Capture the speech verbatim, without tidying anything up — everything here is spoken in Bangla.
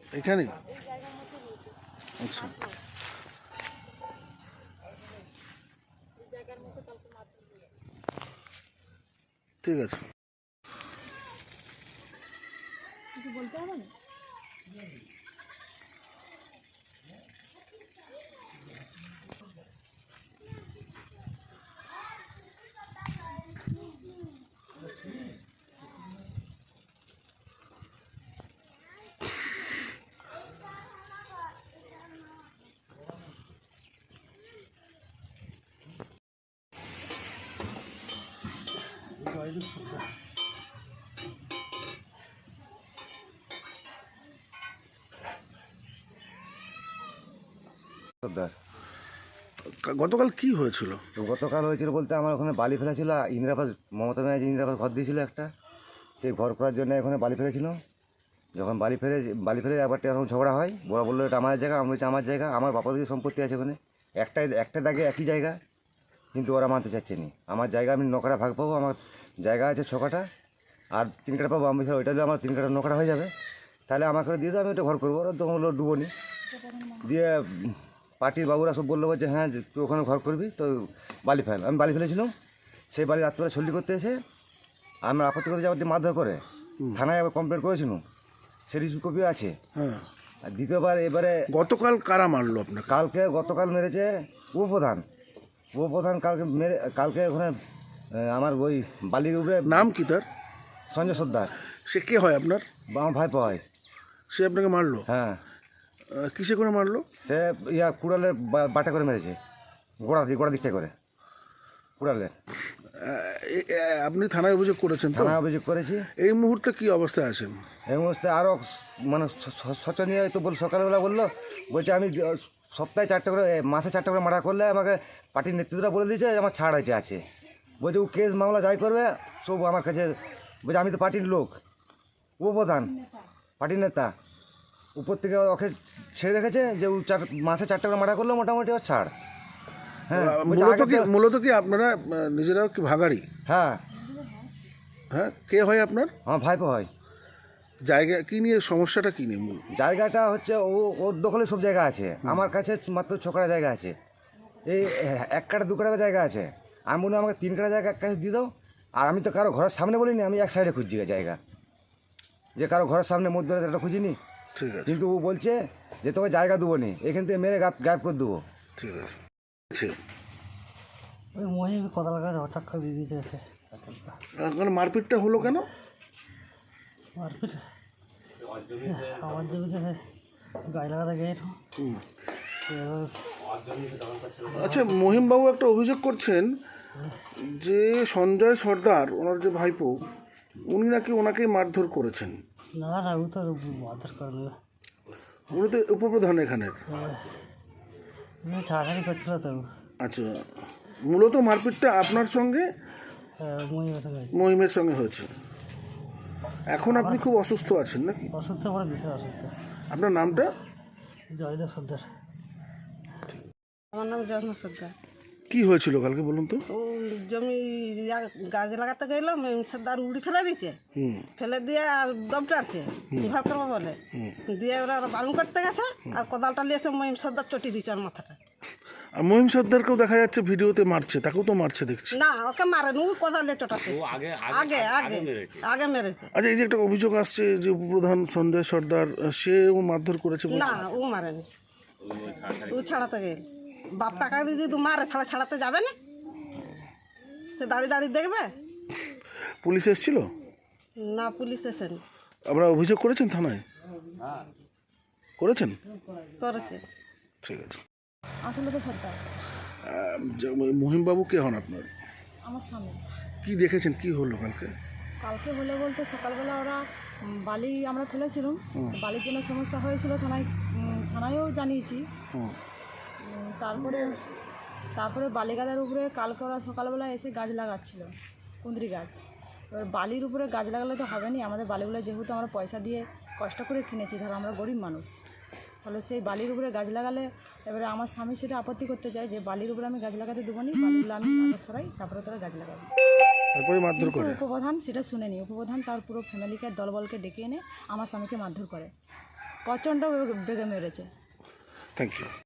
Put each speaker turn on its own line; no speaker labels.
এখানে? আচ্ছা, ঠিক আছে।
কিছু বলতে হবে না?
সর্দার,
কা- গতকাল কি হয়েছিল?
তো গতকাল হয়েছিল বলতে আমার ওখানে বালি ফেলা ছিল। ইন্দিরাবাস, মমতা ব্যানার্জি ইন্দিরাবাস ঘর দিয়েছিল একটা, সেই ঘর করার জন্য ওখানে বালি ফেলেছিল। যখন বালি ফেলে বালি ফেলে একবার এখন ঝগড়া হয়, ওরা বললো এটা আমাদের জায়গা, আমি বলছি আমার জায়গা, আমার বাপা দিকে সম্পত্তি আছে ওখানে, একটাই একটা দাগে একই জায়গা, কিন্তু ওরা মানতে চাচ্ছে না। আমার জায়গা আমি নকরা ভাগ পাবো, আমার জায়গা আছে ছ কাঠা, আর তিন কাঠা পাবো। আমি ওইটা দিয়ে আমার তিন কাঠা নকরা হয়ে যাবে, তাহলে আমাকে দিয়ে দেবো, আমি ওটা ঘর করবো। ওরা তখন বললো ডুবো নি দিয়ে পার্টির বাবুরা সব বললো যে হ্যাঁ তুই ওখানে ঘর করবি, তো বালি ফেল। আমি বালি ফেলেছিলাম, সেই বালি রাত্রে ছল্লি করতে এসে আমার আপত্তি করতে যাওয়ার দিয়ে মারধর করে থানায় আবার কমপ্লেন করেছিলাম, সে রিসিভ কপিও আছে।
হ্যাঁ,
আর দ্বিতীয়বার এবারে
গতকাল কারা মারলো আপনাকে?
কালকে গতকাল মেরেছে উপপ্রধান। উপপ্রধান কালকে মেরে কালকে ওখানে আহ, আমার ওই বালির উপরে
নাম কি তার?
সঞ্জয় সর্দার,
সে কে হয় আপনার?
বা আমার ভাইপো হয়।
সে আপনাকে মারলো?
হ্যাঁ,
আহ, কিসে করে মারলো?
সে ইয়া কুড়ালের বা- বাটা করে মেরেছে, গোড়া দিক গোড়া দিকটা করে কুড়ালে।
আহ, এ- এ- আপনি থানায় অভিযোগ করেছেন তো?
থানায় অভিযোগ করেছি।
এই মুহূর্তে কি অবস্থায় আছেন?
এই মুহূর্তে আরও মানে স- স- শোচনীয় তো বল। সকালবেলা বললো, বলছে আমি আহ, সপ্তাহে চারটে করে এ, মাসে চারটে করে মার্ডার করলে আমাকে পার্টির নেতৃত্বরা বলে দিয়েছে আমার ছাড় আছে আছে বলছে ও কেস মামলা যাই করবে সব আমার কাছে। বলছে আমি তো পার্টির লোক, উপপ্রধান, পার্টির নেতা, উপর থেকে ওকে ছেড়ে রেখেছে যে ও চার মাসে চারটে করে মার্ডার করলে মোটামুটি ওর ছাড়। হ্যাঁ,
আহ,
বলছে
মূলত
আগে
কি
তো-
মূলত কি আপনারা আহ, নিজেরাও কি ভাগাড়ি?
হ্যাঁ,
হ্যাঁ, কে হয় আপনার?
আমার ভাইপো হয়।
জায়গা কি নিয়ে, সমস্যাটা কি নিয়ে মূল?
জায়গাটা হচ্ছে ও ওর দখলে সব জায়গা আছে, আমার কাছে মাত্র ছ কাটা জায়গা আছে। এই এক কাটা দু কাটা জায়গা আছে, আমি বলি আমাকে তিন কাটা জায়গা এক কাছে দিয়ে দাও। আর আমি তো কারো ঘরের সামনে বলিনি, আমি এক সাইডে খুঁজছি জায়গা, যে কারো ঘরের সামনে মধ্যে একটা খুঁজিনি।
ঠিক আছে,
কিন্তু ও বলছে যে তোকে জায়গা দেবো নি, এখান থেকে মেরে গায়েব গায়েব করে দেবো।
ঠিক আছে। ঠিক।
ওই মহিম কথা লাগা হঠাৎ করে দিয়ে দিয়েছে
আপনার মারপিটটা হলো কেন?
মারপিট আমার জমিতে গায়ে লাগাতে গিয়ে
হুম। আচ্ছা, মহিমবাবু একটা অভিযোগ করছেন যে সঞ্জয় সর্দার, ওনার যে ভাইপো, উনি নাকি ওনাকেই মারধর করেছেন।
না না ও তো মারধর করে নেবে,
উনি তো উপপ্রধান এখানের।
উনি ছাড়াছাড়ি করছিল তো।
আচ্ছা, মূলত মারপিটটা আপনার সঙ্গে
মহিমের সঙ্গে
মহিমের সঙ্গে হয়েছে। এখন আপনি খুব অসুস্থ আছেন নাকি?
অসুস্থ করে বিষয় অসুস্থ।
আপনার নামটা?
জয়দেব সর্দার।
আমার নাম জন্ম সর্দার।
কি হয়েছিল কালকে বলুন তো?
ও জমি গাছ লাগাতে গেলাম, সর্দার উড়ি ফেলে দিচ্ছে,
হুম
ফেলে দিয়ে আর দমটাচ্ছে বিভাগ করবো বলে, দিয়ে ওরা বারণ করতে গেছে আর কোদালটা নিয়েছে মহিম সর্দার চটি দিচ্ছে ওর মাথাটা।
আর মহিম সর্দারকেও দেখা যাচ্ছে ভিডিওতে মারছে, তাকেও তো মারছে দেখছি।
না, ওকে মারেন, ও কোদাল দিয়ে চটাতে আগে আগে আগে মেরেছে।
আচ্ছা, এই যে একটা অভিযোগ আসছে যে উপপ্রধান সঞ্জয় সর্দার, সেও মারধর করেছে বলছে।
না, ও মারেনি, ও ছাড়াতে গেল। বাপ টাকা দিয়ে যদি মারে ছাড়া ছাড়াতে যাবে না, সে দাঁড়িয়ে দাঁড়িয়ে দেখবে।
পুলিশ এসেছিল?
না, পুলিশ এসেনি।
আপনারা অভিযোগ করেছেন থানায়? করেছেন?
করেছে।
ঠিক আছে।
আসলে তো সরকার
আহ, যে- মহিমবাবু কে হন আপনার?
আমার সামনে
কি দেখেছেন, কি হলো কালকে?
কালকে হলে বলতে সকালবেলা ওরা উম, বালি আমরা ফেলেছিলাম, বালির জন্য সমস্যা হয়েছিল, থানায় উম, থানায়ও জানিয়েছি।
হুম
উম, তারপরে তারপরে বালি গাছের উপরে কালকে ওরা সকালবেলা এসে গাছ লাগাচ্ছিল, কুঁদরি গাছ। এবার বালির উপরে গাছ লাগালে তো হবে না, আমাদের বালিগুলো যেহেতু আমরা পয়সা দিয়ে কষ্ট করে কিনেছি, ধরো আমরা গরিব মানুষ, তাহলে সেই বালির উপরে গাছ লাগালে এবারে আমার স্বামী সেটা আপত্তি করতে চায় যে বালির উপরে আমি গাছ লাগাতে দেবো নি, বালিগুলো আমি আগে সরাই তারপরে তোরা গাছ লাগাবো।
তারপরে মারধর
কিন্তু
করে?
উপপ্রধান সেটা শুনেনি, উপপ্রধান তার পুরো ফ্যামিলিকে দলবলকে ডেকে এনে আমার স্বামীকে মারধর করে। প্রচণ্ড বেগে মেরেছে।
Thank you.